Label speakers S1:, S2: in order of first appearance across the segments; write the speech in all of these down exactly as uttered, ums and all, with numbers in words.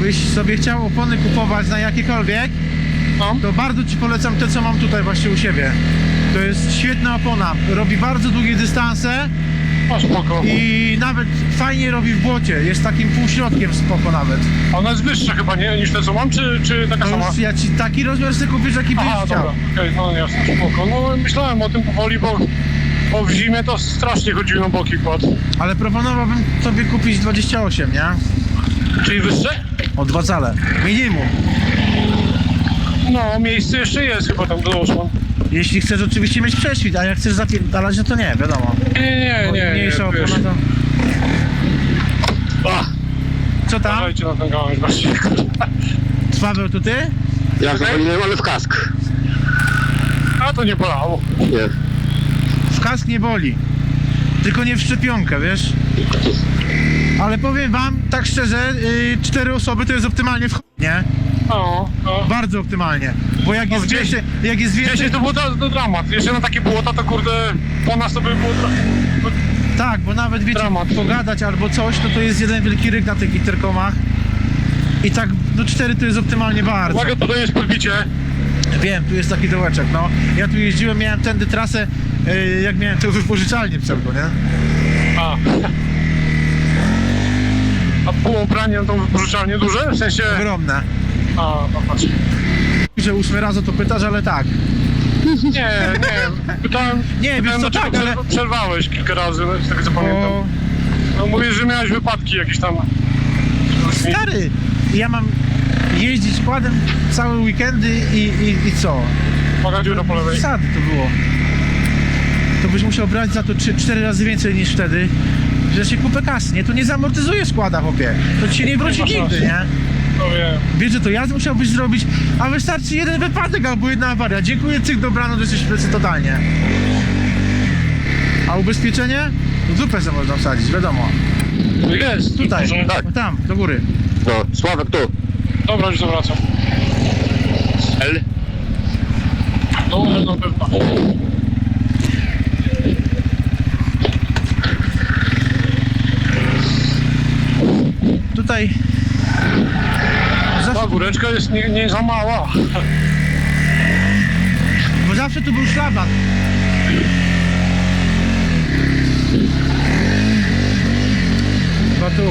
S1: Jakbyś sobie chciał opony kupować na jakiekolwiek,
S2: No.
S1: to bardzo Ci polecam te, co mam tutaj właśnie u siebie. To jest świetna opona, robi bardzo długie dystanse
S2: O, spoko.
S1: i nawet fajnie robi w błocie, jest takim półśrodkiem spoko nawet.
S2: A ona jest wyższa chyba, nie? Niż te co mam, czy, czy taka
S1: To
S2: sama?
S1: już ja Ci taki rozmiar sobie kupisz, jaki byś
S2: Aha,
S1: chciał.
S2: dobra, okej, no jasne, spoko. No myślałem o tym powoli, bo, bo w zimie to strasznie chodziły na boki kład.
S1: Ale proponowałbym sobie kupić dwadzieścia osiem, nie?
S2: Czyli wyższe?
S1: O dwa cale, minimum.
S2: No, miejsce jeszcze jest chyba tam do osłon.
S1: Jeśli chcesz oczywiście mieć prześwit, a jak chcesz zapierdalać, no to nie, wiadomo.
S2: Nie, nie,
S1: Bo
S2: nie, nie,
S1: mniejsza
S2: wiesz.
S1: opona to...
S3: A,
S1: Co tam?
S2: Uważajcie na ten gałąź właśnie.
S1: Paweł, to ty?
S3: jak zapaliłem, ale w kask.
S2: A to nie bolało.
S3: Nie.
S1: W kask nie boli. Tylko nie w szczepionkę, wiesz? Ale powiem wam, tak szczerze, yy, cztery osoby to jest optymalnie w ch... nie?
S2: No, no.
S1: Bardzo optymalnie. Bo jak jest
S2: gdzieś-
S1: więcej, jak jest więcej...
S2: Wcześniej to było to, to dramat. Jeszcze na takie błota to kurde, po nas to by było dra...
S1: Tak, bo nawet wiecie,
S2: Dramat.
S1: pogadać albo coś, to to jest jeden wielki ryk na tych interkomach. I tak, no cztery to jest optymalnie bardzo.
S2: Uwaga, tutaj jest podbicie.
S1: Wiem, tu jest taki dołeczek, no. Ja tu jeździłem, miałem tędy trasę, yy, jak miałem tę wypożyczalnię pseudo, nie?
S2: A. A półopranie na tą wypożyczalnię duże? W sensie...
S1: Ogromne.
S2: A, no patrz.
S1: Że ósmy raz o to pytasz, ale tak.
S2: Nie, nie. Pytałem,
S1: Nie, wiesz
S2: pytałem
S1: co,
S2: dlaczego
S1: tak, ale-
S2: przerw- przerwałeś kilka razy, no, z tego co pamiętam.
S1: Bo...
S2: No mówisz, że miałeś wypadki jakieś tam.
S1: Stary, ja mam jeździć kładem całe weekendy i, i, i co?
S2: Uwaga, dziura po lewej.
S1: Zasady to było. To byś musiał brać za to trzy cztery razy więcej niż wtedy, że się kupę kasy, nie? To nie zamortyzuje składa, chłopie. To ci się nie wróci
S2: masz
S1: nigdy,
S2: rację.
S1: nie?
S2: No wiem.
S1: Wiesz, że to ja musiałbyś zrobić, a wystarczy jeden wypadek albo jedna awaria. Dziękuję, cyk, dobrano, że jesteś w plecy totalnie. A ubezpieczenie? No dupę sobie można wsadzić, wiadomo.
S2: Jest,
S1: Tutaj,
S2: Może...
S3: Tak.
S1: no tam, do góry.
S3: No, Sławek tu.
S2: Dobra, już zawracam.
S3: L.
S2: No, no pewno.
S1: Tutaj...
S2: Ta
S1: Zawsze,
S2: góreczka jest nie, nie za mała.
S1: bo zawsze tu był szlaban. Chyba tu.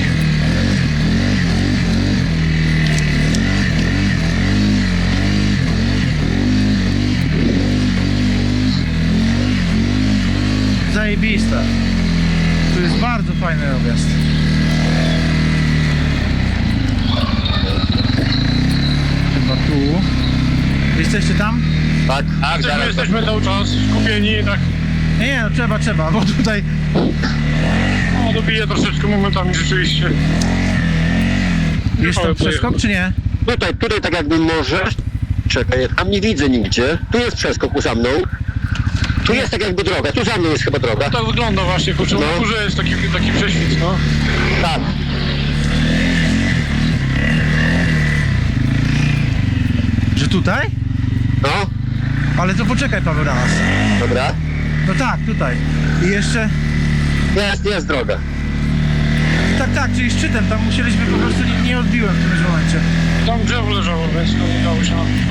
S1: Zajebista. Tu jest bardzo fajny objazd. Chyba tu. Jesteście tam?
S3: Tak, tak,
S2: Jesteśmy,
S3: zaraz.
S2: jesteśmy cały czas skupieni, tak.
S1: Nie, nie, no trzeba, trzeba, bo tutaj...
S2: No, dobiję troszeczkę momentami rzeczywiście.
S1: Jest tam
S2: Ale
S1: przeskok,
S2: pojechał.
S1: czy nie?
S3: Tutaj, tutaj tak jakby możesz. Czekaj, ja tam nie widzę nigdzie. Tu jest przeskok za mną. Tu jest tak jakby droga, tu za mną jest chyba droga.
S2: Tak wygląda właśnie, kurczę,
S3: No.
S2: na górze jest taki, taki prześwit, no.
S3: Tak.
S1: Że tutaj?
S3: No,
S1: Ale to poczekaj, Paweł, na nas.
S3: dobra.
S1: No tak, tutaj. I jeszcze...
S3: Jest, jest droga.
S1: Tak, tak, czyli szczytem, tam musieliśmy po prostu... Nie, nie odbiłem w którymś momencie.
S2: Tam drzewo leżało, więc to nie dało się.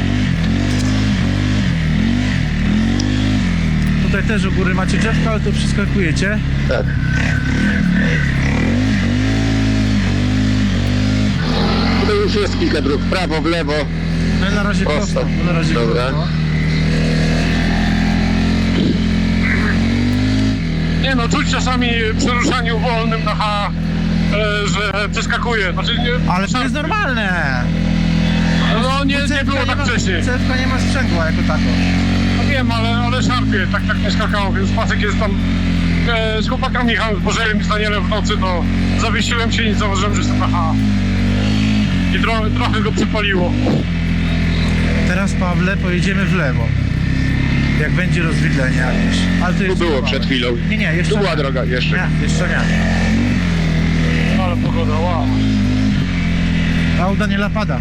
S1: Tutaj też u góry macie drzewka, ale to przeskakujecie.
S3: Tak. Tutaj już jest kilka dróg, w prawo, w lewo.
S1: No i na razie
S3: Prosto.
S1: prosto. No na razie
S3: Dobra.
S1: prosto.
S2: Nie no, czuć czasami przy ruszaniu wolnym na H, e, że przeskakuje. Znaczy, nie,
S1: Ale to jest normalne.
S2: No nie,
S1: Bo
S2: nie
S1: cewka
S2: było tak
S1: ma,
S2: wcześniej.
S1: Cewka nie ma sprzęgła jako tako.
S2: No wiem, ale, ale szarpie, tak tak nie skakało, więc Pasek jest tam e, z chłopakami jechałem z Bożelem i z Danielem w nocy, to zawiesiłem się i nie zauważyłem, że jestem na H. I tro, trochę go przypaliło.
S1: Teraz, Pawle, pojedziemy w lewo. Jak będzie rozwidlenie jakieś. Ale to
S3: Tu
S1: jest
S3: było
S1: małe.
S3: przed chwilą.
S1: Nie, nie, jeszcze
S3: Tu była
S1: nie.
S3: droga, jeszcze.
S1: Nie, jeszcze nie.
S2: Ale pogoda, wow.
S1: A u Daniela pada.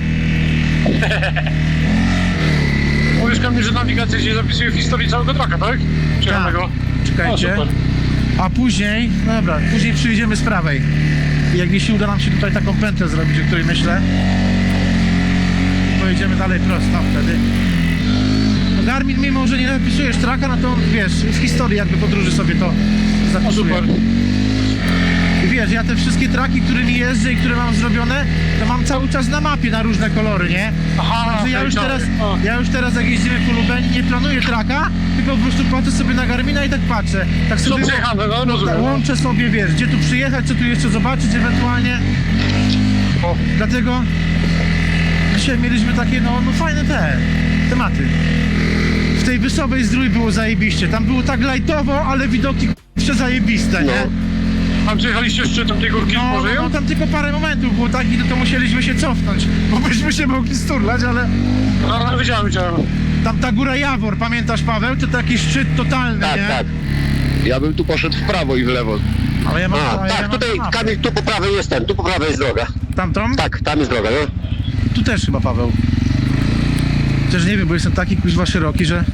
S2: Mówisz Kamil, że nawigacja się zapisuje w historii całego traka, tak? Przejechanego.
S1: Czekajcie.
S2: O, super.
S1: A później, no dobra, później przyjdziemy z prawej. Jak jeśli uda nam się tutaj taką pętlę zrobić, o której myślę, pojedziemy dalej prosto wtedy. No Garmin, mimo że nie napisujesz traka, no to wiesz, w historii jakby podróży sobie to
S2: O,
S1: zapisuje.
S2: super.
S1: I wiesz, ja te wszystkie traki, którymi jeżdżę i które mam zrobione, to mam cały czas na mapie na różne kolory, nie?
S2: Aha,
S1: Także ja
S2: okej,
S1: już
S2: czary.
S1: teraz,
S2: O.
S1: ja już teraz jak jeździmy po Lubeni, nie planuję traka, tylko po prostu patrzę sobie na Garmina i tak patrzę. Tak
S2: Są
S1: sobie
S2: przejechane, no
S1: tak,
S2: rozumiem.
S1: łączę sobie, wiesz, gdzie tu przyjechać, co tu jeszcze zobaczyć ewentualnie.
S2: O,
S1: Dlatego dzisiaj mieliśmy takie, no, no fajne te tematy. W tej Wysowej Zdrój było zajebiście, tam było tak lajtowo, ale widoki jeszcze zajebiste,
S3: No.
S1: nie?
S2: tam przejechaliście szczytem tej górki z
S1: No, no,
S2: Bożeją?
S1: no tam tylko parę momentów było takich, no to musieliśmy się cofnąć, bo byśmy się mogli sturlać, ale
S2: No, no, widziałem, widziałem.
S1: tam ta góra Jawor, pamiętasz Paweł? To taki szczyt totalny,
S3: Tak,
S1: nie?
S3: tak.
S4: Ja bym tu poszedł w prawo i w lewo.
S1: Ale ja mam,
S3: A,
S1: ale ja
S3: tak,
S1: mam
S3: tutaj,
S1: mapę.
S3: Kamil, tu po prawej jest ten, tu po prawej jest droga.
S1: Tamtą?
S3: Tak, tam jest droga, no.
S1: Tu też chyba Paweł. Chociaż nie wiem, bo jestem taki kuźwa szeroki, że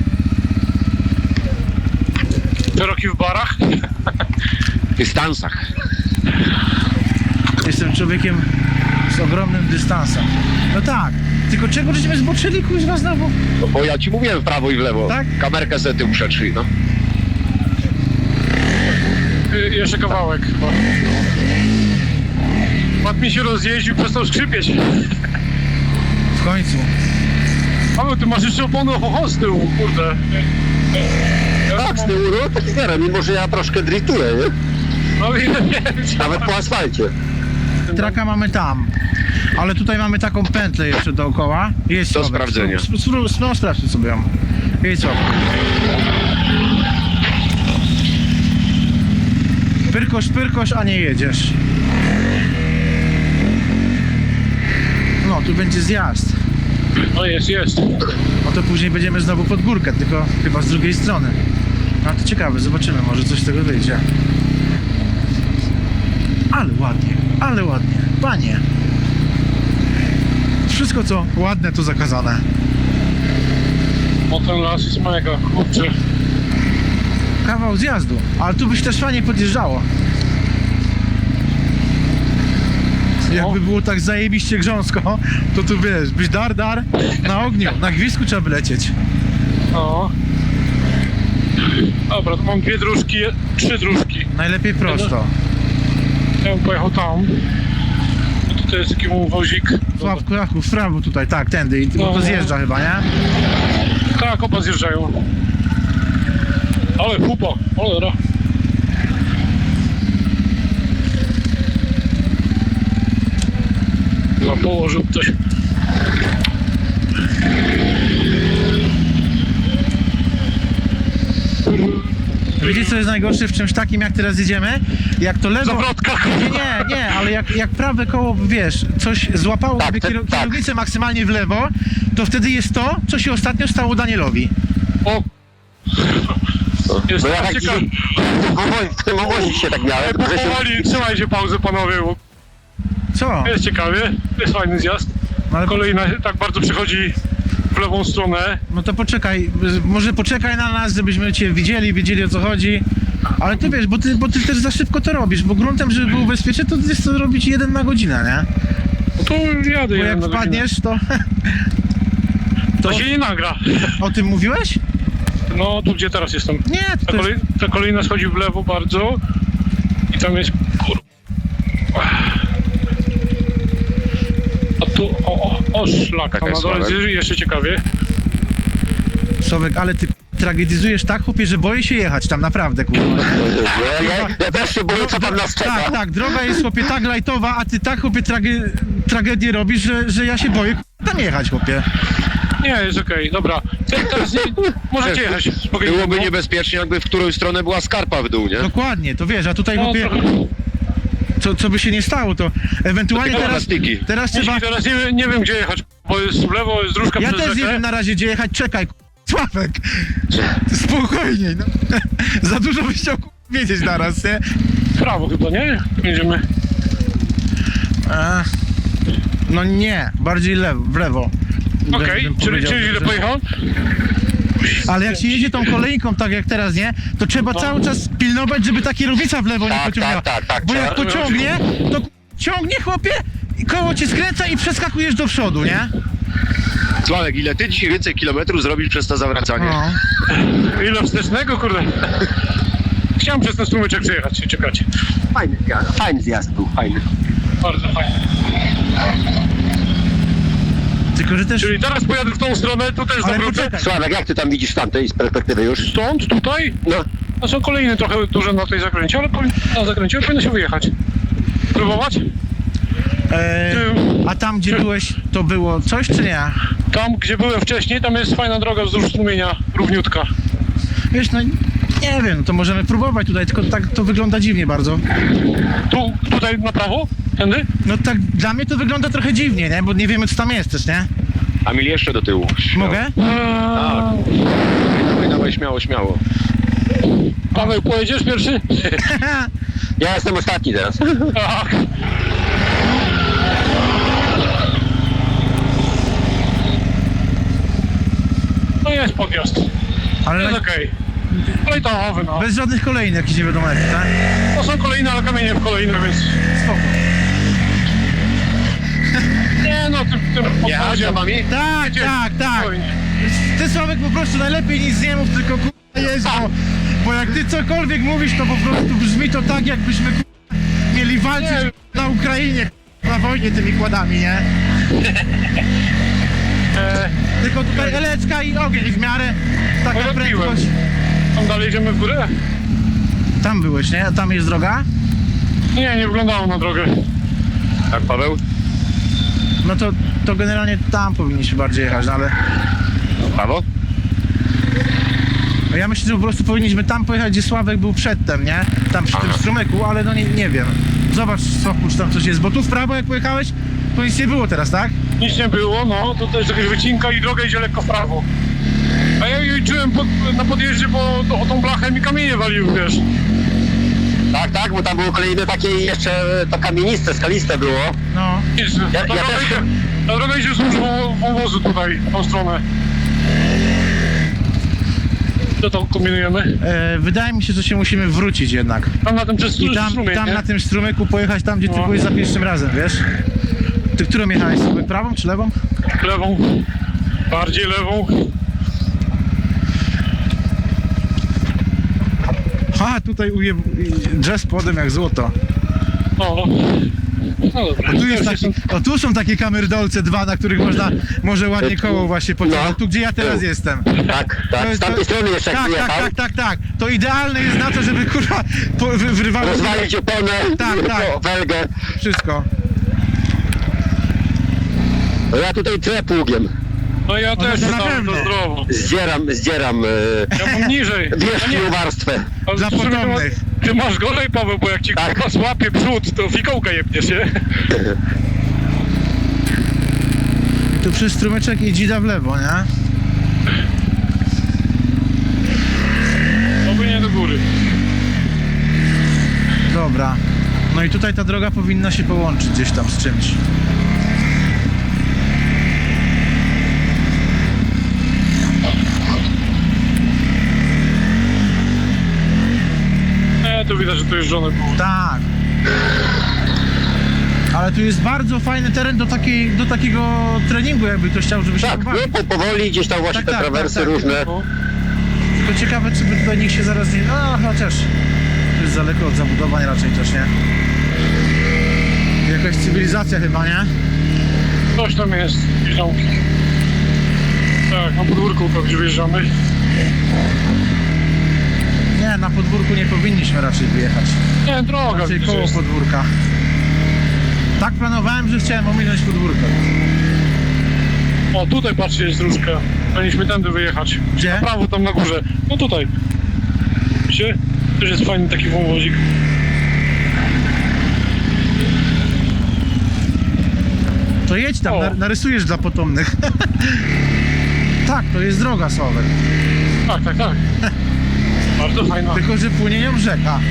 S2: Szeroki w barach.
S4: W dystansach.
S1: jestem człowiekiem z ogromnym dystansem. No tak, tylko czego żeśmy zboczyli kuźwa znowu?
S4: No bo ja ci mówiłem w prawo i w lewo.
S1: Tak?
S4: Kamerkę sobie tył przetrzyj, no.
S2: Y, jeszcze kawałek chyba. Pat mi się rozjeździł, przestał skrzypieć.
S1: W końcu.
S2: Ale ty masz jeszcze opony oho z tyłu, kurde. Ja
S3: Tak, z
S2: mam-
S3: tyłu, no, taki zero, mimo że ja troszkę driftuję, nie?
S2: No wiem, wiem.
S3: Nawet po asfalcie.
S1: Traka mamy tam. Ale tutaj mamy taką pętlę jeszcze dookoła. Jest
S4: Do
S1: Sławek.
S4: sprawdzenia.
S1: Spró- spró- spró- No sprawdźmy sobie ją. Jest Sławek. Pyrkosz, pyrkosz, a nie jedziesz. No, tu będzie zjazd.
S2: No jest, jest.
S1: No to później będziemy znowu pod górkę, tylko chyba z drugiej strony. No to ciekawe, zobaczymy, może coś z tego wyjdzie. Ale ładnie, ale ładnie. Panie. Wszystko co ładne to zakazane.
S2: O, ten las jest mega, kurczę.
S1: Kawał zjazdu, ale tu byś też fajnie podjeżdżało. Jakby było tak zajebiście grząsko, to tu wiesz, byś dar dar na ogniu, na gwizdku trzeba by lecieć.
S2: No. Dobra, to mam dwie dróżki, trzy dróżki.
S1: Najlepiej prosto.
S2: Ja bym pojechał tam. No tutaj jest taki wozik.
S1: Sławku, Jachu, w prawo tutaj, tak, tędy, i bo to
S2: No.
S1: zjeżdża chyba, nie?
S2: Tak, oba zjeżdżają. Ale pupa, cholera. No położył ktoś.
S1: Widzicie co jest najgorsze w czymś takim jak teraz jedziemy? Jak to lewo...
S2: Zawrotka.
S1: Nie, nie, nie, ale jak, jak prawe koło, wiesz, coś złapało
S3: Tak,
S1: sobie
S3: te-
S1: kieru-
S3: tak.
S1: kierownicę maksymalnie w lewo, to wtedy jest to, co się ostatnio stało Danielowi.
S2: O! Jest
S3: No ja
S2: tak
S3: taki,
S2: ciekawe.
S3: w tym obozie się tak miałem, że się...
S2: Powoli, trzymajcie pauzę panowie, bo
S1: Co?
S2: jest ciekawie, jest fajny zjazd.
S1: No, ale,
S2: Kolejna tak bardzo przychodzi w lewą stronę.
S1: no to poczekaj, może poczekaj na nas, żebyśmy cię widzieli, wiedzieli o co chodzi. Ale ty wiesz, bo ty, bo ty też za szybko to robisz, bo gruntem, żeby było bezpiecznie, to jest to robić jeden na godzinę, nie?
S2: No to jadę
S1: Bo
S2: jeden
S1: jak
S2: na godzinę.
S1: wpadniesz, to...
S2: To się nie nagra.
S1: O tym mówiłeś?
S2: No tu gdzie teraz jestem.
S1: Nie,
S2: Ta,
S1: to jest...
S2: kolej, ta kolejna schodzi w lewo bardzo i tam jest kur... A tu, o, o, o szlak,
S4: Taka
S2: tam na
S4: jest
S2: dole
S4: Sławek.
S2: jest jeszcze ciekawie.
S1: Sławek, ale ty tragedizujesz tak, chłopie, że boję się jechać tam, naprawdę, kurwa.
S3: Ja, ja, ja też się boję, co tam nas
S1: Tak,
S3: czeka.
S1: tak, droga jest, chłopie, tak lajtowa, a ty tak, chłopie, trage, tragedię robisz, że, że ja się boję tam jechać, chłopie.
S2: Nie, jest okej, dobra. Te- Teraz nie, możecie jechać. spokojnie.
S4: Byłoby niebezpiecznie, jakby w którą stronę była skarpa w dół, nie?
S1: Dokładnie, to wiesz, a tutaj,
S2: No,
S1: chłopie,
S2: trochę.
S1: co, co by się nie stało, to ewentualnie
S4: Tylko
S1: teraz,
S4: plastiki.
S1: teraz trzeba...
S2: Jeśli teraz nie, nie wiem gdzie jechać, bo jest w lewo, jest dróżka
S1: Ja
S2: przez
S1: też nie
S2: rzekę.
S1: wiem na razie, gdzie jechać, czekaj, Sławek, spokojniej, no. Za dużo byś chciał wiedzieć naraz, nie?
S2: W prawo chyba, nie? Jedziemy.
S1: A, no nie, bardziej lewo, w lewo.
S2: Okej,
S1: Bym
S2: czyli,
S1: powiedział,
S2: czyli źle
S1: że-
S2: pojechałem?
S1: Ale jak się jedzie tą kolejką, tak jak teraz, nie? To trzeba cały czas pilnować, żeby ta kierownica w lewo nie
S3: Tak,
S1: pociągnęła.
S3: tak, tak, tak,
S1: Bo jak
S3: trzeba-
S1: pociągnie, to ciągnie, chłopie, i koło cię skręca i przeskakujesz do przodu, nie?
S4: Sławek, ile ty dzisiaj więcej kilometrów zrobisz przez to zawracanie?
S1: No.
S2: Ile wstecznego, kurde. Chciałem przez ten strumyczek przejechać, czekajcie.
S3: Fajny zjazd, fajny zjazd był, fajny.
S2: Bardzo fajnie.
S1: Tylko, że też...
S2: Czyli teraz pojadę w tą stronę, tu też
S1: Ale
S2: zawrócę.
S1: poczekaj.
S3: Sławek, jak ty tam widzisz z tamtej z perspektywy już?
S2: Stąd, tutaj,
S3: No,
S2: a są kolejne trochę duże na tej zakręcie, ale powi- na zakręcie powinno się wyjechać. Próbować?
S1: E, a tam, gdzie byłeś, to było coś, czy nie?
S2: Tam, gdzie byłem wcześniej, tam jest fajna droga wzdłuż strumienia, równiutka.
S1: Wiesz, no nie wiem, to możemy próbować tutaj, tylko tak to wygląda dziwnie bardzo.
S2: Tu, tutaj na prawo? Tędy?
S1: No tak, dla mnie to wygląda trochę dziwnie, nie? Bo nie wiemy, co tam jest też, nie?
S4: Kamil, jeszcze do tyłu. Śmiało.
S1: Mogę?
S2: Eee,
S4: Dawaj, dawaj, śmiało, śmiało.
S2: Paweł, pojedziesz pierwszy?
S3: ja jestem ostatni teraz.
S2: Tak. No jest podjazd.
S1: Ale
S2: Jest
S1: na,
S2: okej. Kolejtowy, no.
S1: bez żadnych kolejnych, jakichś nie wiadomo jakich, tak?
S2: To są kolejne, ale kamienie w kolejne, więc...
S1: Spoko.
S2: Nie no, tym, tym
S4: Jechać za
S2: podwoziem.
S4: wami?
S1: Tak,
S2: Jedziemy.
S1: tak, tak.
S2: Spokojnie.
S1: Ty, Sławek, po prostu najlepiej nic nie mów, tylko kurwa jeźdź, bo, bo jak ty cokolwiek mówisz, to po prostu brzmi to tak, jakbyśmy kurwa, mieli walczyć
S2: Nie.
S1: na Ukrainie, kurwa, na wojnie tymi kładami, nie?
S2: E,
S1: Tylko tutaj eleczka i ogień w miarę, taka
S2: Odbiłem.
S1: prędkość.
S2: tam dalej idziemy w górę?
S1: Tam byłeś, nie? A tam jest droga?
S2: Nie, nie wyglądało na drogę.
S4: Tak, Paweł?
S1: No to, to generalnie tam powinniśmy bardziej jechać, no ale...
S4: Prawo?
S1: No ja myślę, że po prostu powinniśmy tam pojechać, gdzie Sławek był przedtem, nie? Tam przy tym
S4: Aha.
S1: strumyku, ale no nie, nie wiem. Zobacz, Sławku, czy tam coś jest, bo tu w prawo jak pojechałeś, to nic nie było teraz, tak?
S2: Nic nie było, no, tutaj jest jakaś wycinka i droga idzie lekko w prawo. A ja jej czułem pod, na podjeździe, bo to, o tą blachę mi kamienie walił, wiesz.
S3: Tak, tak, bo tam było kolejne takie jeszcze to kamieniste, skaliste było.
S1: No.
S2: Widzisz,
S3: Ja-
S2: ta,
S3: ja
S2: droga
S3: też-
S2: idzie, ta droga idzie wzdłuż wą- wąwozu tutaj, w tą stronę. Co to kombinujemy?
S1: E, wydaje mi się, że się musimy wrócić jednak.
S2: Tam na tym przez
S1: I tam,
S2: strumień,
S1: tam
S2: nie?
S1: na tym strumyku pojechać tam, gdzie ty
S2: No.
S1: byłeś za pierwszym razem, wiesz? Ty którą jechałeś sobie? Prawą czy lewą?
S2: Lewą. Bardziej lewą.
S1: Ha, tutaj uje... jazz podem jak złoto.
S2: No. No dobra.
S1: Tu jest
S2: Ja
S1: taki,
S2: się
S1: o tu są takie kamerdolce dwa, na których można może ładnie koło właśnie pociągnąć.
S3: No.
S1: Tu gdzie ja teraz jestem.
S3: Tak,
S1: To
S3: tak,
S1: jest-
S3: z tamtej
S1: to-
S3: strony jeszcze jak
S1: tak, tak,
S3: wyjechał.
S1: tak, tak, tak. To idealne jest na to, żeby kurwa po, wy, wrywało
S3: Rozwalić oponę,
S1: Tak, tak.
S3: po- welgę.
S1: wszystko.
S3: No ja tutaj trę pługiem.
S2: No ja
S1: No
S2: też
S1: to na
S2: tam
S1: pewno.
S2: to zdrowo.
S3: Zdzieram, zdzieram e,
S2: Ja mam niżej.
S3: wierzchnią warstwę.
S2: Ale
S1: Dla
S2: w sumie to ma-
S1: potomnych.
S2: Ty masz gorzej, Paweł, bo jak ci
S3: Tak.
S2: tak. złapie przód, to fikołka jebniesz, nie?
S1: Tu przy strumyczek i dzida w lewo, nie?
S2: Oby nie do góry.
S1: Dobra. No i tutaj ta droga powinna się połączyć gdzieś tam z czymś.
S2: Nie, tu widać, że to jeżdżone było.
S1: Tak. Ale tu jest bardzo fajny teren do, takiej, do takiego treningu, jakby ktoś chciał, żeby się
S3: Tak,
S1: pobawić.
S3: no po, powoli gdzieś tam właśnie
S1: Tak,
S3: te
S1: tak,
S3: trawersy
S1: tak, tak.
S3: różne.
S2: No.
S1: Tylko ciekawe, czy by tutaj nikt się zaraz nie... No, chociaż to jest daleko od zabudowań raczej też, nie? Jakaś cywilizacja chyba, nie?
S2: Coś tam jest, jeżdżonki. Tak, na podwórku, to gdzie wjeżdżamy.
S1: Nie, na podwórku nie powinniśmy raczej wyjechać.
S2: Nie, droga
S1: Raczej
S2: gdzieś
S1: koło
S2: jest.
S1: podwórka. Tak planowałem, że chciałem ominąć podwórko.
S2: O, tutaj patrzcie, jest dróżka. Powinniśmy tędy wyjechać.
S1: Gdzie?
S2: Na prawo, tam na górze. No tutaj. Widzicie? Też jest fajny taki wąwozik.
S1: To jedź tam,
S2: O.
S1: nar- narysujesz dla potomnych. Tak, to jest droga, Sławek.
S2: Tak, tak, tak. Bardzo fajna.
S1: Tylko, że płynie nią rzeka.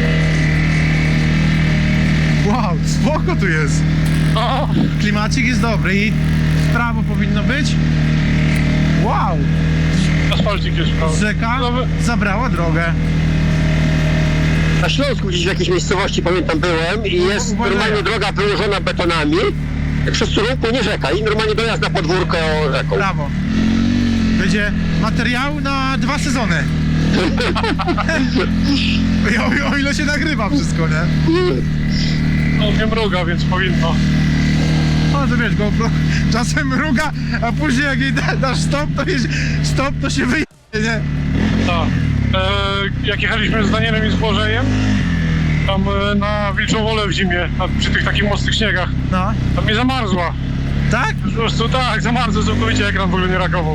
S1: Wow, spoko tu jest.
S2: O,
S1: Klimacik jest dobry i w prawo powinno być. Wow,
S2: asfalcik jest prawy.
S1: rzeka
S2: Nowy-
S1: zabrała drogę.
S3: Na Śląsku gdzieś w jakiejś miejscowości, pamiętam, byłem i jest
S1: Uważaj.
S3: normalnie droga wyłożona betonami, przez którą płynie rzeka i normalnie dojazd na podwórko rzeką.
S1: Brawo. Będzie materiał na dwa sezony. o, o ile się nagrywa wszystko, nie?
S2: No nie mruga, więc powinno.
S1: No to wiesz, GoPro czasem mruga, a później jak jej da, dasz stop, to, jest, stop, to się wyje, nie?
S2: Tak. E, jak jechaliśmy z Danielem i z Błażejem, tam e, na Wilczą Wolę w zimie, na, przy tych takich mocnych śniegach,
S1: No,
S2: tam mnie zamarzła.
S1: tak?
S2: Po prostu tak, zamarzła całkowicie, ekran w ogóle nie reagował.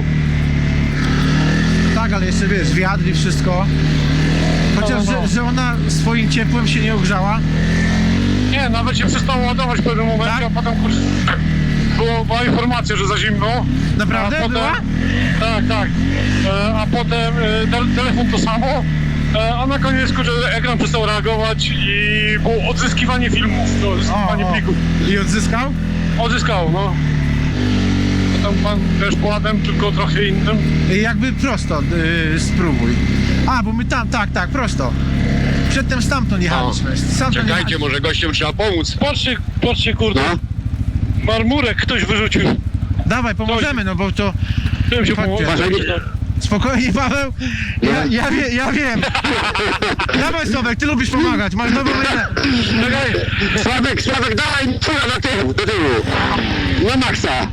S1: Tak, ale jeszcze wiesz, wiatr i wszystko. Chociaż,
S2: No, no, no.
S1: Że, że ona swoim ciepłem się nie ogrzała.
S2: Nie, nawet się przestało ładować w pewnym momencie,
S1: Tak?
S2: a potem kurczę, było, była informacja, że za zimno.
S1: Naprawdę?
S2: A potem,
S1: Była?
S2: Tak, tak. E, a potem e, te, telefon to samo, e, a na koniec kurczę, ekran przestał reagować i było odzyskiwanie filmów, to odzyskiwanie
S1: O, o.
S2: plików.
S1: I odzyskał?
S2: Odzyskał, no. A tam pan też pładem, tylko trochę innym.
S1: I jakby prosto yy, spróbuj. A, bo my tam, tak, tak, prosto. Przedtem stamtąd jechaliśmy. Stamtąd
S4: Czekajcie,
S1: jechaliśmy.
S4: może gościom trzeba pomóc.
S2: Patrzcie, patrzcie kurde,
S3: No.
S2: marmurek ktoś wyrzucił.
S1: Dawaj, pomożemy, no bo to
S2: Tym się
S1: Chodźcie.
S2: pomogło.
S3: Uważaj, nie-
S1: spokojnie, Paweł. Ja, ja, wie, ja wiem. Dawaj, Sławek, ty lubisz pomagać, masz dobrą minę.
S2: Czekaj,
S3: Sławek, Sławek, dawaj, pula na tył, do tyłu. Na maksa.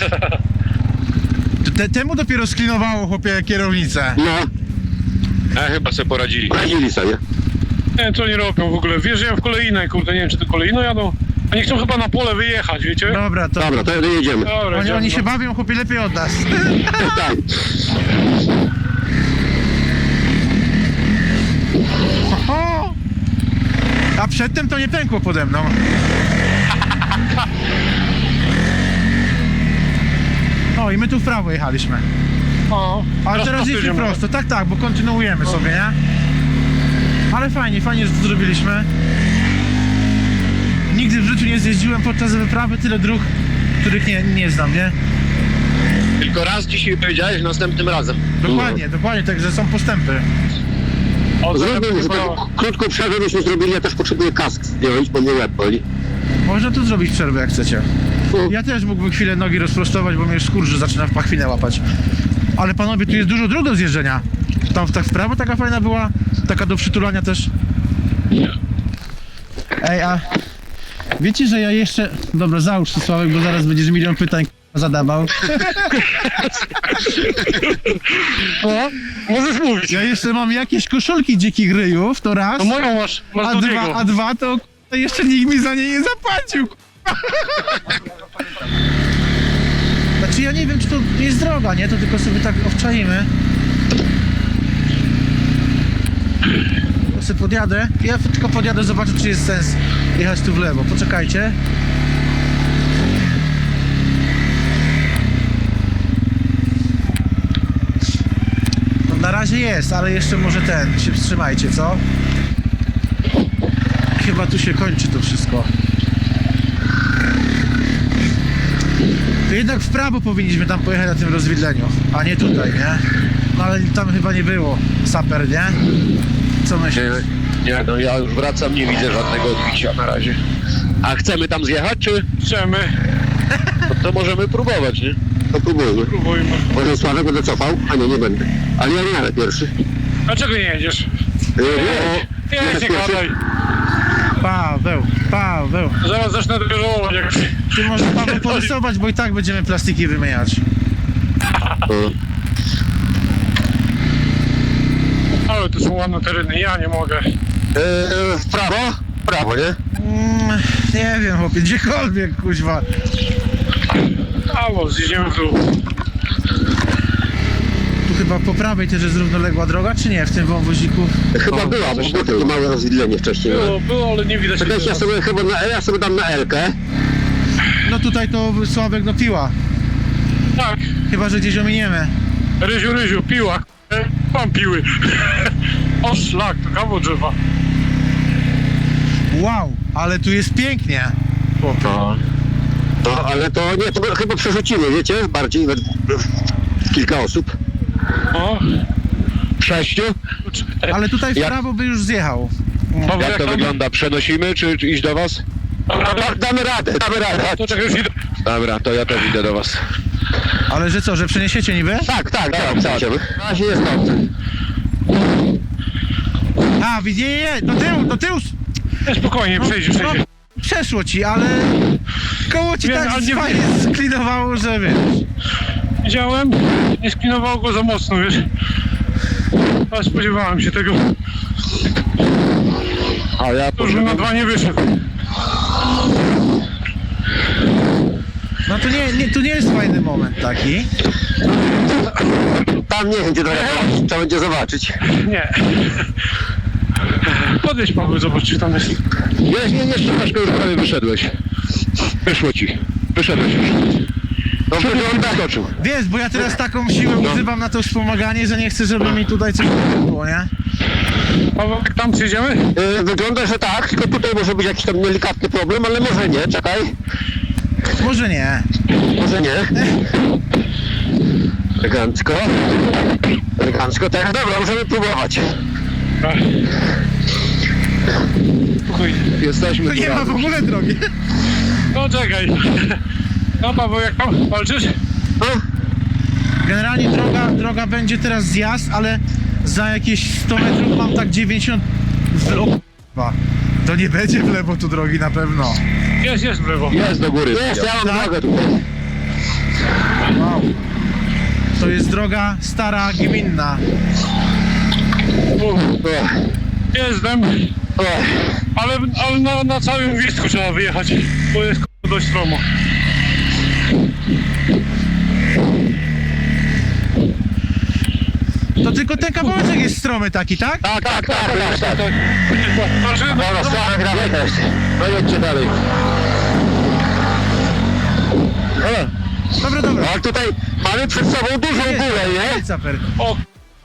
S1: Te, temu dopiero sklinowało, chłopie, kierownicę.
S3: No,
S4: A chyba sobie poradzili.
S3: radzili sobie.
S2: nie wiem co oni robią w ogóle. Wjeżdżają w kolejne, kurde, nie wiem czy to kolejno jadą. Oni chcą chyba na pole wyjechać, wiecie?
S1: Dobra, to
S3: Dobra, to jedziemy.
S2: Dobra,
S1: oni,
S2: idziemy,
S1: oni
S2: no.
S1: się bawią, chłopie, lepiej od nas.
S3: Tak.
S1: O! A przedtem to nie pękło pode mną. O, i my tu w prawo jechaliśmy.
S2: O,
S1: Ale teraz
S2: prosto
S1: jedziemy
S2: idziemy.
S1: prosto, tak, tak, bo kontynuujemy sobie, nie? Ale fajnie, fajnie, że to zrobiliśmy. Nigdy w życiu nie zjeździłem podczas wyprawy tyle dróg, których nie, nie znam, nie?
S4: Tylko raz dzisiaj powiedziałeś, następnym razem.
S1: Dokładnie, dokładnie, także są postępy.
S2: O,
S3: Zrobimy, że
S2: chyba-
S3: tak krótką przerwę byśmy zrobili, ja też potrzebuję kask zdjąć, bo mnie łeb boli.
S1: Można tu zrobić przerwę, jak chcecie. Ja też mógłbym chwilę nogi rozprostować, bo mnie już skurczy zaczyna w pachwinę łapać. Ale panowie, tu jest dużo dróg do zjeżdżenia. Tam tak w prawo taka fajna była, taka do przytulania też. Ej, a wiecie, że ja jeszcze... Dobra, załóż to, Sławek, bo zaraz będziesz milion pytań k***a, zadawał.
S2: O, możesz mówić.
S1: Ja jeszcze mam jakieś koszulki dzikich ryjów, to raz.
S2: To moją masz, masz
S1: A
S2: do
S1: dwa,
S2: niego.
S1: a dwa to k***a, jeszcze nikt mi za nie nie zapłacił. k***a. Znaczy ja nie wiem, czy to jest droga, nie? To tylko sobie tak obczaimy. To sobie podjadę. Ja tylko podjadę, zobaczę, czy jest sens jechać tu w lewo. Poczekajcie. No, na razie jest, ale jeszcze może ten. Się wstrzymajcie, co? Chyba tu się kończy to wszystko. To jednak w prawo powinniśmy tam pojechać na tym rozwidleniu, a nie tutaj, nie? No ale tam chyba nie było saper, nie? Co myślisz?
S4: Nie, nie, no ja już wracam, nie widzę żadnego odbicia na razie. A chcemy tam zjechać, czy
S2: Chcemy,
S4: to, to możemy próbować, nie?
S3: To próbujmy.
S2: próbujmy.
S3: Może Sławek będę cofał? A nie, nie będę. Ale ja nie jadę pierwszy.
S2: Dlaczego nie jedziesz?
S3: Yy,
S2: Nie, nie, nie gadaj.
S1: Paweł, Paweł.
S2: Zaraz zacznę denerwować jak...
S1: Ty może Paweł porysować, bo i tak będziemy plastiki wymieniać.
S3: No.
S2: Ale to są ładne tereny, ja nie mogę.
S3: Yy, w prawo? W prawo, nie?
S1: Mm, nie wiem, chłopie, gdziekolwiek, kuźwa.
S2: Albo zjedziemy w dół.
S1: Tu chyba po prawej też jest równoległa droga, czy nie? W tym wąwoziku?
S3: Chyba
S4: O,
S3: była, bo
S4: coś
S3: było
S4: tam
S3: takie małe rozwidlenie wcześniej.
S2: Było, było, ale nie widać.
S3: Czekajcie, ja sobie chyba na, ja sobie dam na Elkę.
S1: No tutaj to Sławek no piła.
S2: Tak,
S1: Chyba, że gdzieś ominiemy.
S2: ryziu, ryziu, piła. k***e. Mam piły. O szlak, to kawał drzewa.
S1: Wow, ale tu jest pięknie.
S3: No. No, ale to nie, to chyba przerzucimy, wiecie? Bardziej we, w kilka osób.
S2: O,
S3: Sześciu?
S1: Ale tutaj w
S3: Jak-
S1: prawo by już zjechał.
S2: Paweł,
S4: Jak to
S2: tam?
S4: wygląda? Przenosimy, czy, czy iść do was?
S2: Dobra,
S3: Da, damy radę, damy radę.
S2: to czekaj, już idę.
S4: Dobra, to ja też idę do was.
S1: Ale że co, że przeniesiecie niby?
S3: Tak, tak, tak, tak. Na razie jest dobrze.
S1: A, widzicie, nie, nie, do tyłu, do tyłu.
S2: Nie, spokojnie, przejdzie,
S1: No,
S2: przejdzie.
S1: przeszło ci, ale koło ci
S2: Wiem,
S1: tak
S2: ale nie-
S1: fajnie sklinowało, że wiesz.
S2: Widziałem, nie sklinowało go za mocno, wiesz. Ale spodziewałem się tego.
S4: A ja
S2: To już bym na dwa nie wyszedł.
S1: No to nie, nie, to nie jest fajny moment taki.
S3: Tam nie wiem, gdzie droga, trzeba będzie zobaczyć.
S2: Nie. Podjedź, Paweł, zobacz, czy tam jest.
S4: Nie, nie, nie, troszkę już prawie wyszedłeś. Wyszło ci. Wyszedłeś już.
S3: No wygląda,
S4: Skoczył.
S1: Wiesz, bo ja teraz taką siłę używam na to wspomaganie, że nie chcę, żeby mi tutaj coś było, nie?
S2: Paweł, jak tam przyjdziemy?
S3: y, wygląda, że tak, tylko tutaj może być jakiś tam delikatny problem, ale może nie, czekaj.
S1: Może nie.
S3: Może nie. Elegancko. Elegancko, tak. Dobra, możemy próbować.
S2: Tak. Spokojnie.
S4: Jesteśmy
S1: To
S4: tu
S1: nie ma w
S4: razem.
S1: ogóle drogi.
S2: No czekaj. No Paweł, jak tam walczysz?
S3: No,
S1: Generalnie droga, droga będzie teraz zjazd, ale za jakieś sto metrów mam tak dziewięćdziesiąt w lewo. To nie będzie w lewo tu drogi na pewno.
S2: Jest, jest w lewo.
S4: Jest do góry.
S3: jest, ja mam
S1: Tak?
S3: drogę tutaj.
S1: Wow. To jest droga stara, gminna.
S3: O,
S2: Jestem,
S3: o.
S2: ale, ale na, na całym gwizdku trzeba wyjechać, bo jest k***a dość stromo.
S1: To tylko ten kawałeczek jest stromy taki, tak?
S3: Tak, tak, tak, tak, tak.
S2: Znaczy, no,
S3: Dobra,
S2: no,
S3: strona gramy też.
S4: No jedźcie dalej.
S3: O,
S1: Dobra, dobra.
S3: ale tutaj mamy przed sobą dużą górę, nie?
S1: Jest saper.
S2: o,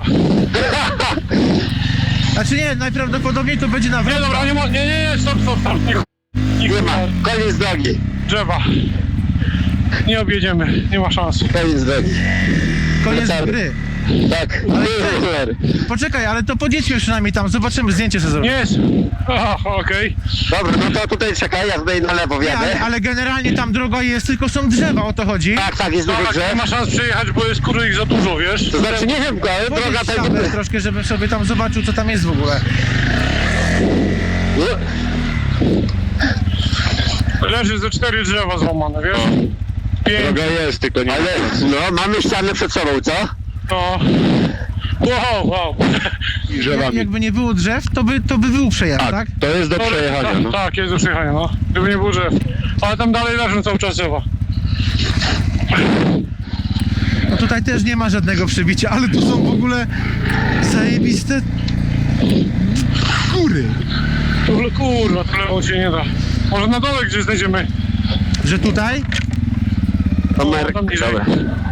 S1: Znaczy nie, najprawdopodobniej to będzie na
S2: nie
S1: wrotce.
S2: dobra, nie ma, nie, nie, nie, stop, stop, stop, nie, nie,
S3: Nie ma, koniec drogi.
S2: drzewa. Nie objedziemy, nie ma szans.
S3: Koniec drogi.
S1: Koniec
S3: wracamy.
S1: gry.
S3: Tak,
S1: Ale
S3: ale
S1: Poczekaj, ale to podjedźmy przynajmniej tam, zobaczymy, zdjęcie sobie zrobimy.
S2: Jest. Aha, okej.
S3: Dobra, no to tutaj czekaj, ja tutaj na lewo
S1: Nie, ale,
S3: wjadę.
S1: ale generalnie tam droga jest, tylko są drzewa, o to chodzi.
S3: Tak, tak, jest dużo
S2: Tak, nie
S3: drzew.
S2: ma szans przejechać, bo jest kurde ich za dużo, wiesz?
S3: To znaczy, nie wiem, ale droga
S1: Podjedź tam
S3: będzie...
S1: troszkę, żebym sobie tam zobaczył, co tam jest w ogóle.
S2: Leży ze cztery drzewa złamane, wiesz? Pięć,
S4: Droga jest, tylko nie...
S3: Ale, no, mamy ścianę przed sobą, co?
S2: no. Wow, wow.
S4: I
S1: Jak,
S4: drzewami.
S1: jakby nie było drzew, to by, to by był przejazd,
S4: Tak,
S1: tak?
S4: to jest do przejechania,
S2: tak,
S4: no.
S2: tak, jest do przejechania, no. Gdyby nie było drzew. Ale tam dalej leżą cały czas drzewa.
S1: No tutaj też nie ma żadnego przebicia, ale tu są w ogóle zajebiste góry.
S2: Tu, kurwa, tu lewo się nie da. Może na dole gdzieś znajdziemy.
S1: Że tutaj?
S3: Numer,
S2: tam niżej.
S3: dobra.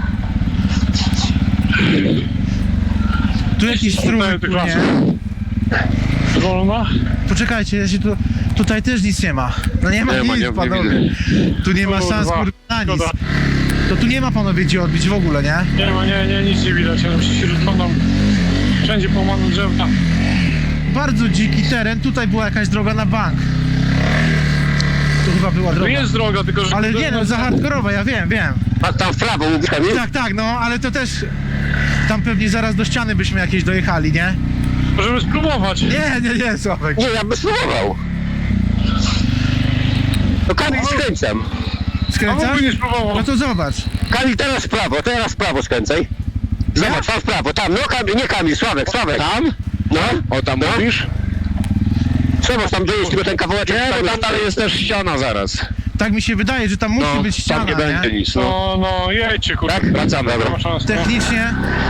S1: Tu jakiś
S2: Tutaj
S1: strumyk
S2: tych
S1: płynie.
S2: lasów. Wolna?
S1: Poczekajcie, ja się tu, tutaj też nic nie ma. No nie ma
S4: Nie
S1: nic,
S4: ma, nie- nie
S1: panowie. Tu nie ma
S2: Kurwa,
S1: szans kurwa, na nic.
S2: szkoda.
S1: To tu nie ma panowie gdzie odbić w ogóle, nie?
S2: Nie ma, nie, nie, nic nie widać. Ja się rozglądam. Wszędzie połamane drzewka.
S1: Bardzo dziki teren, tutaj była jakaś droga na bank. Tu chyba była
S2: Tu
S1: droga.
S2: jest droga, tylko że...
S1: Ale nie no, za hardkorowa, ja wiem, wiem.
S3: A tam w prawo, mówisz, Kamil?
S1: Tak, tak, no, ale to też... Tam pewnie zaraz do ściany byśmy jakieś dojechali, nie?
S2: Możemy spróbować.
S1: Nie, nie, nie, Sławek.
S3: Nie, ja bym spróbował. No Kamil, skręcam.
S2: A
S1: Skręcasz?
S2: mógłby nie spróbował.
S1: No to zobacz.
S3: Kamil, teraz w prawo, teraz w prawo skręcaj. Zobacz, tam w prawo, tam, no Kamil, nie Kamil, Sławek, Sławek. Tam? No,
S4: O, tam
S3: no.
S4: mówisz?
S3: Trzeba tam dojeść tylko ten kawałeczek.
S4: Nie, bo tam dalej jest też ściana zaraz.
S1: Tak mi się wydaje, że tam musi
S4: No,
S1: być ściana,
S4: tam nie będzie nic, no.
S2: No, no, jedźcie, kurde.
S3: Tak?
S4: Wracamy.
S2: Nie ma szans. No.
S1: Technicznie...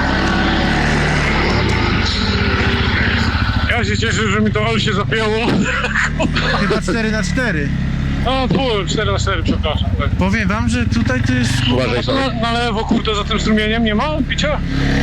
S2: Ja się cieszę, że mi to ol się zapięło.
S1: Chyba cztery na cztery.
S2: No, pół, cztery na cztery, przepraszam. Tak.
S1: Powiem wam, że tutaj to jest...
S4: Uważaj
S2: Na,
S4: sobie.
S2: na lewo, kurde, za tym strumieniem nie ma picia?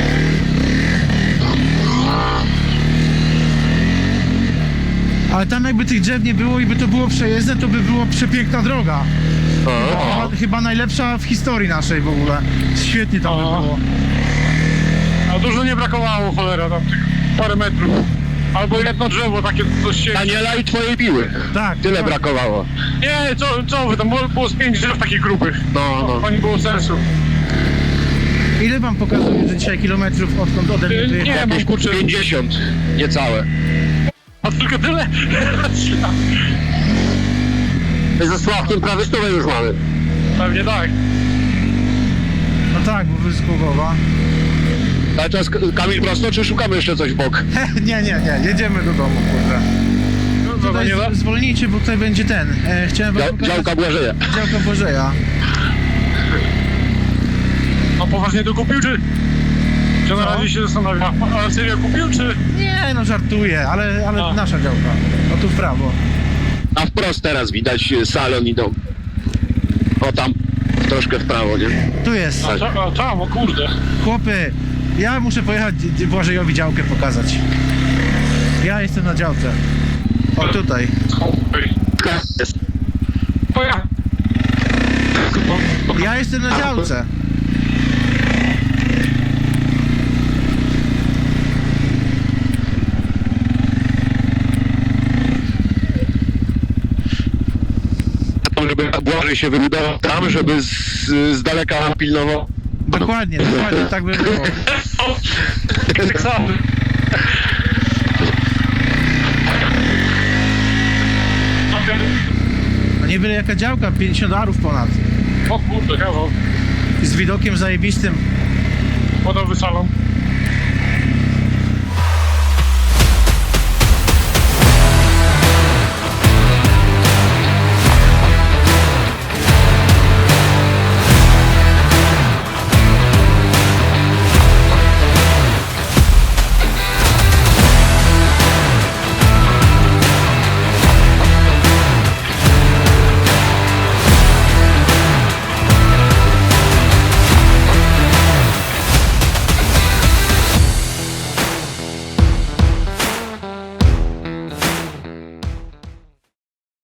S1: Ale tam jakby tych drzew nie było i by to było przejezdne, to by było przepiękna droga.
S3: O,
S1: Chyba, chyba najlepsza w historii naszej w ogóle. Świetnie tam by
S2: O.
S1: było.
S2: A dużo nie brakowało, cholera, tam tych parę metrów. Albo jedno drzewo takie coś się...
S4: Daniela i twojej piły.
S1: Tak.
S4: Tyle
S1: tak.
S4: brakowało.
S2: Nie, co, co wy, tam było, było z pięć drzew takich grubych.
S4: No, no.
S2: To nie było sensu.
S1: Ile wam pokazuje, że dzisiaj kilometrów odkąd ode mnie
S2: Nie,
S1: wyjechał?
S2: nie mam kurczę.
S4: pięćdziesiąt, niecałe.
S2: A tylko tyle?
S3: My ze Sławkiem prawie stówę już mamy.
S2: Pewnie tak.
S1: No tak, bo wy z Głogowa.
S4: Ale teraz Kamil prosto, czy szukamy jeszcze coś w bok?
S1: nie, nie, nie, jedziemy do domu, kurde.
S2: No, to
S1: Tutaj
S2: nie da?
S1: z- zwolnijcie, bo tutaj będzie ten. E, chciałem wam
S4: Dział,
S1: pokazać...
S4: działka Błażeja.
S1: Działka Bożeja.
S2: A poważnie to kupił, czy? Czy na
S1: Co?
S2: razie się zastanawia? A serio kupił, czy?
S1: Nie, no żartuję, ale, ale
S2: A.
S1: nasza działka. O tu w prawo.
S4: A wprost teraz widać y, salon i dom. O tam, troszkę w prawo, nie?
S1: Tu jest.
S2: A, ta- a tam, o kurde.
S1: Chłopy, ja muszę pojechać d- Błażejowi działkę pokazać. Ja jestem na działce. O tutaj.
S2: Oj.
S3: Jest.
S2: To ja.
S1: Ja jestem na działce.
S4: Żeby Błażej się wybudował tam, żeby z, z daleka pilnował.
S1: Dokładnie, dokładnie, tak by było.
S2: Tak samo.
S1: No nie byle jaka działka, pięćdziesiąt arów ponad.
S2: O kurde, kawał.
S1: Z widokiem zajebistym.
S2: Wodowy salon.